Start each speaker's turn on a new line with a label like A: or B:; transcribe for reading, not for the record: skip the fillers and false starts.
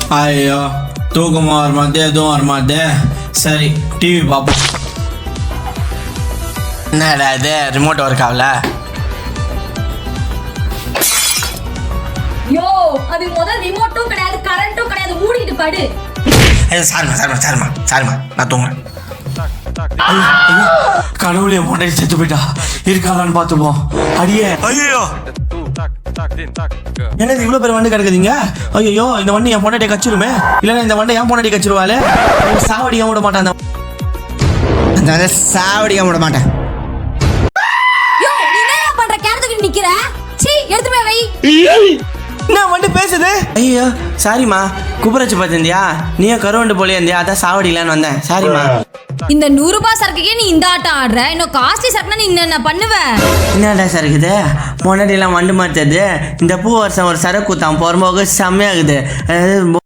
A: ஐயோ தூக்கமாக வர மாட்டே எதுவும் வர மாட்டே. சரி டிவி பார்ப்போம். என்னடா இது ரிமோட் ஒர்க் ஆகல?
B: யோ அது முதல் ரிமோட்டும் கிடையாது கரண்ட்டும் கிடையாது, மூடிட்டு படு.
A: சாரிம்மா நான் தூங்குறேன். கடவுளே முன்னாடி செத்து போயிட்டா, இருக்காளான்னு பார்த்துப்போம். அடியே ஐயோ என்னது இவ்வளோ பேர் வண்டி கிடக்குதுங்க? ஐயோ இந்த வண்டி என் பொண்டாட்டியை கச்சிருமே, இல்லைன்னா இந்த வண்டி என் பொண்டாட்டி கச்சிருவாளே. சாவடிக்க விட மாட்டேன், அந்த சாவடிக்க விட மாட்டேன்.
B: யோ நீ என்ன பண்ற? கேரத்துக்கு நிக்கிற? சீ எடுத்து போய் வை.
A: என்ன வண்டி பேசுது? ஐயோ சாரிம்மா, குபரச்சு பார்த்திருந்தியா? நீயும் கருவண்டு போலே இருந்தியா, அதான் சாவடிக்கலான்னு வந்தேன். சாரிம்மா.
B: இந்த 100 ரூபாய் சரக்குக்கே நீ இந்த ஆட்டம் ஆடுற, இன்னும் காஸ்ட்லி சரக்குனா நீ என்ன பண்ணுவ?
A: என்னடா சரக்குது? முன்னாடியெல்லாம் வண்டு மாத்தது, இந்த பூ வருஷம் ஒரு சரக்கு தான் போகும்போது செம்மையாகுது.